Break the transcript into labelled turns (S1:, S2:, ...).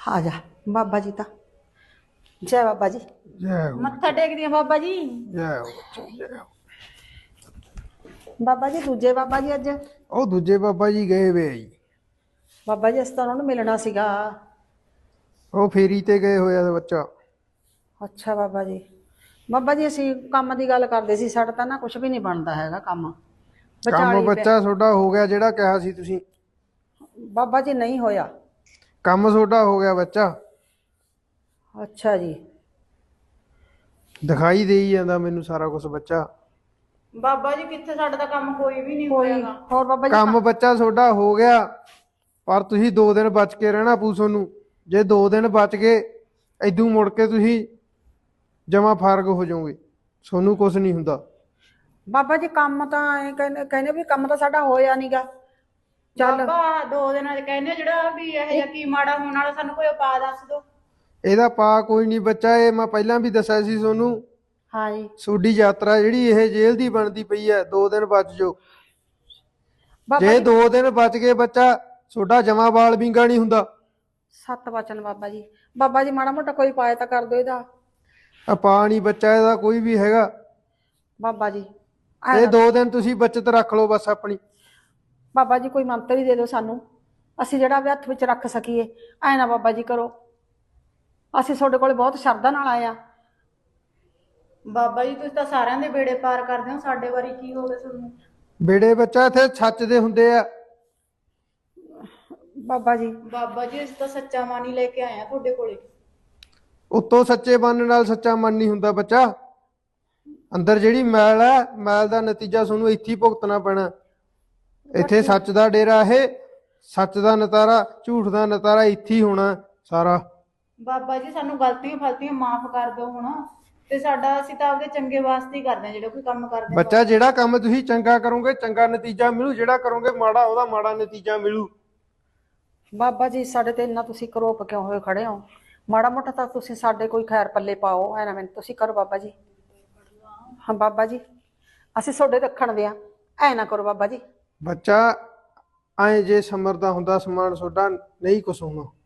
S1: ਆ ਜਾ ਬਾਬਾ ਜੀ ਤਾਂ ਜੈ ਬਾਬਾ ਜੀ।
S2: ਜੈ ਹੋ
S3: ਮੱਥਾ ਟੇਕਦੀ ਆ ਬਾਬਾ ਜੀ।
S2: ਜੈ ਹੋ ਬੱਚੋ, ਜੈ ਹੋ।
S1: ਬਾਬਾ ਜੀ ਦੂਜੇ ਬਾਬਾ ਜੀ ਅੱਜ
S2: ਉਹ ਦੂਜੇ ਬਾਬਾ ਜੀ ਗਏ ਵੇ ਆ ਜੀ।
S1: ਬਾਬਾ ਜੀ ਅਸੀਂ ਤਾਂ ਉਹਨਾਂ ਨੂੰ ਮਿਲਣਾ ਸੀਗਾ।
S2: ਉਹ ਫੇਰੀ ਤੇ ਗਏ ਹੋਇਆ ਦਾ ਬੱਚਾ।
S1: ਅੱਛਾ ਬਾਬਾ ਜੀ। ਬਾਬਾ ਜੀ ਅਸੀਂ ਕੰਮ ਦੀ ਗੱਲ ਕਰਦੇ ਸੀ, ਸਾਡਾ ਤਾਂ ਨਾ ਕੁਝ ਵੀ ਨਹੀਂ ਬਣਦਾ ਹੈਗਾ ਕੰਮ
S2: ਕੰਮ
S1: ਵਿਚਾਲੀ
S2: ਬੱਚਾ ਤੁਹਾਡਾ ਹੋ ਗਿਆ ਜਿਹੜਾ ਕਿਹਾ ਸੀ ਤੁਸੀਂ।
S1: ਬਾਬਾ ਜੀ ਨਹੀਂ ਹੋਇਆ।
S2: ਕੰਮ ਤੁਹਾਡਾ ਹੋ ਗਿਆ ਬੱਚਾ।
S1: ਅੱਛਾ ਜੀ।
S2: ਦਿਖਾਈ ਦੇਈ ਜਾਂਦਾ ਮੈਨੂੰ ਸਾਰਾ ਕੁਝ ਬੱਚਾ।
S3: ਬਾਬਾ ਜੀ ਕਿੱਥੇ, ਸਾਡਾ ਤਾਂ ਕੰਮ ਕੋਈ ਵੀ ਨਹੀਂ
S1: ਕੋਈ
S3: ਹੋਇਆਗਾ।
S1: ਹੋਰ ਬਾਬਾ ਜੀ
S2: ਕੰਮ ਬੱਚਾ ਤੁਹਾਡਾ ਹੋ ਗਿਆ, ਪਰ ਤੁਸੀਂ 2 ਦਿਨ ਬਚ ਕੇ ਰਹਿਣਾ ਪੂ ਤੁਹਾਨੂੰ। ਜੇ 2 ਦਿਨ ਬਚ ਗਏ ਇਦੋਂ ਮੁੜ ਕੇ ਤੁਸੀਂ ਜਮਾ ਫਾਰਗ ਹੋ ਜਾਓਗੇ, ਤੁਹਾਨੂੰ ਕੁਝ ਨਹੀਂ ਹੁੰਦਾ।
S1: ਬਾਬਾ ਜੀ ਕੰਮ ਤਾਂ ਐਂ ਕਹਿੰਦੇ ਵੀ ਕੰਮ ਤਾਂ ਸਾਡਾ ਹੋਇਆ ਨਹੀਂਗਾ। ਚੱਲ
S3: ਬਾਬਾ 2 ਦਿਨਾਂ ਦੇ ਕਹਿੰਦੇ ਜਿਹੜਾ ਵੀ ਇਹ ਜਿਹਾ ਕੀ ਮਾੜਾ ਹੋਣ ਵਾਲਾ, ਸਾਨੂੰ ਕੋਈ ਉਪਾਅ ਦੱਸ ਦਿਓ।
S2: ਇਹਦਾ ਪਾ ਕੋਈ ਨਹੀਂ ਬੱਚਾ, ਇਹ ਮੈਂ ਪਹਿਲਾਂ ਵੀ ਦੱਸਿਆ ਸੀ ਤੁਹਾਨੂੰ।
S1: ਹਾਂ ਜੀ
S2: ਤੁਹਾਡੀ ਯਾਤਰਾ ਜਿਹੜੀ ਇਹ ਜੇਲ੍ਹ ਦੀ ਬਣਦੀ ਪਈ ਹੈ, 2 ਦਿਨ ਬਚ ਜਾਓ।
S1: ਬਾਬਾ
S2: ਜੇ
S1: ਜੀ
S2: 2 ਦਿਨ ਬਚ ਗਏ ਬੱਚਾ ਤੁਹਾਡਾ ਜਮਾ ਬਾਲ ਵਿੰਗਾ ਨਹੀਂ ਹੁੰਦਾ।
S1: ਸੱਤ ਵਚਨ ਬਾਬਾ ਜੀ। ਬਾਬਾ ਜੀ ਮਾੜਾ ਮੋਟਾ ਕੋਈ ਪਾਇਆ ਤਾਂ ਕਰ ਦਿਓ ਇਹਦਾ।
S2: ਪਾ ਨਹੀਂ ਬੱਚਾ ਇਹਦਾ ਕੋਈ ਵੀ ਹੈਗਾ।
S1: ਬਾਬਾ ਜੀ
S2: ਇਹ 2 ਦਿਨ ਤੁਸੀਂ ਬੱਚਤ ਰੱਖ ਲਓ ਬਸ ਆਪਣੀ।
S1: ਬਾਬਾ ਜੀ ਕੋਈ ਮੰਤਰ ਹੀ ਦੇ ਦਿਓ ਸਾਨੂੰ, ਅਸੀਂ ਜਿਹੜਾ ਵੀ ਹੱਥ ਵਿੱਚ ਰੱਖ ਸਕੀਏ। ਐ ਨਾ ਬਾਬਾ ਜੀ ਕਰੋ, ਅਸੀਂ ਤੁਹਾਡੇ ਕੋਲ ਬਹੁਤ ਸ਼ਰਧਾ ਨਾਲ ਆਏ ਆ।
S3: ਬਾਬਾ ਜੀ ਤੁਸੀਂ ਤਾਂ ਸਾਰਿਆਂ ਦੇ ਬੇੜੇ ਪਾਰ ਕਰਦੇ ਹੋ, ਸਾਡੇ ਵਾਰੀ ਕੀ ਹੋ ਗਿਆ ਤੁਹਾਨੂੰ?
S2: ਬੇੜੇ ਬੱਚਾ ਇੱਥੇ ਸੱਚ ਦੇ ਹੁੰਦੇ ਆ।
S1: ਬਾਬਾ ਜੀ
S3: ਬਾਬਾ ਜੀ ਅਸੀਂ ਤਾਂ ਸੱਚਾ ਮਨ ਹੀ ਲੈ ਕੇ ਆਏ ਆ ਤੁਹਾਡੇ ਕੋਲੇ।
S2: ਉੱਤੋਂ ਸੱਚੇ ਮਨ ਨਾਲ ਸੱਚਾ ਮਨ ਨਹੀਂ ਹੁੰਦਾ ਬੱਚਾ। ਅੰਦਰ ਜਿਹੜੀ ਮੈਲ ਹੈ, ਮੈਲ ਦਾ ਨਤੀਜਾ ਤੁਹਾਨੂੰ ਇੱਥੇ ਹੀ ਭੁਗਤਣਾ ਪੈਣਾ। ਇੱਥੇ ਸੱਚ ਦਾ ਡੇਰਾ, ਇਹ ਸੱਚ ਦਾ ਨਤਾਰਾ, ਝੂਠ ਦਾ ਨਤਾਰਾ ਇੱਥੇ ਹੀ ਹੋਣਾ ਸਾਰਾ।
S3: ਬਾਬਾ ਜੀ ਸਾਨੂੰ ਗਲਤੀਆਂ ਫਲਤੀਆਂ ਮਾਫ ਕਰ ਦਿਓ ਹੁਣ, ਤੇ ਸਾਡਾ ਅਸੀਂ ਤਾਂ ਆਪਦੇ ਚੰਗੇ ਵਾਸਤੇ ਹੀ ਕਰਦੇ ਹਾਂ ਜਿਹੜਾ ਕੋਈ ਕੰਮ ਕਰਦੇ ਹਾਂ।
S2: ਬੱਚਾ ਜਿਹੜਾ ਕੰਮ ਤੁਸੀਂ ਚੰਗਾ ਕਰੋਗੇ ਚੰਗਾ ਨਤੀਜਾ ਮਿਲੂ, ਜਿਹੜਾ ਕਰੋਗੇ ਮਾੜਾ ਉਹਦਾ ਮਾੜਾ ਨਤੀਜਾ ਮਿਲੂ।
S1: ਬਾਬਾ ਜੀ ਸਾਡੇ ਤੇ ਇੰਨਾ ਤੁਸੀਂ ਕਰੋਪ ਕਿਉਂ ਹੋਏ ਖੜੇ ਹੋ? ਮਾੜਾ ਮੋਟਾ ਤਾਂ ਤੁਸੀਂ ਸਾਡੇ ਕੋਈ ਖੈਰ ਪੱਲੇ ਪਾਓ। ਐ ਨਾ ਮੈਨੂੰ ਤੁਸੀਂ ਕਰੋ ਬਾਬਾ ਜੀ। ਹਾਂ ਬਾਬਾ ਜੀ ਅਸੀਂ ਤੁਹਾਡੇ ਰੱਖਣ ਦੇ ਆ, ਐ ਨਾ ਕਰੋ ਬਾਬਾ ਜੀ।
S2: ਬੱਚਾ ਐਂ ਜੇ ਸਮਰਦਾ ਹੁੰਦਾ ਸਮਾਨ ਤੁਹਾਡਾ ਨਹੀਂ ਕੁਛ ਹੋਣਾ।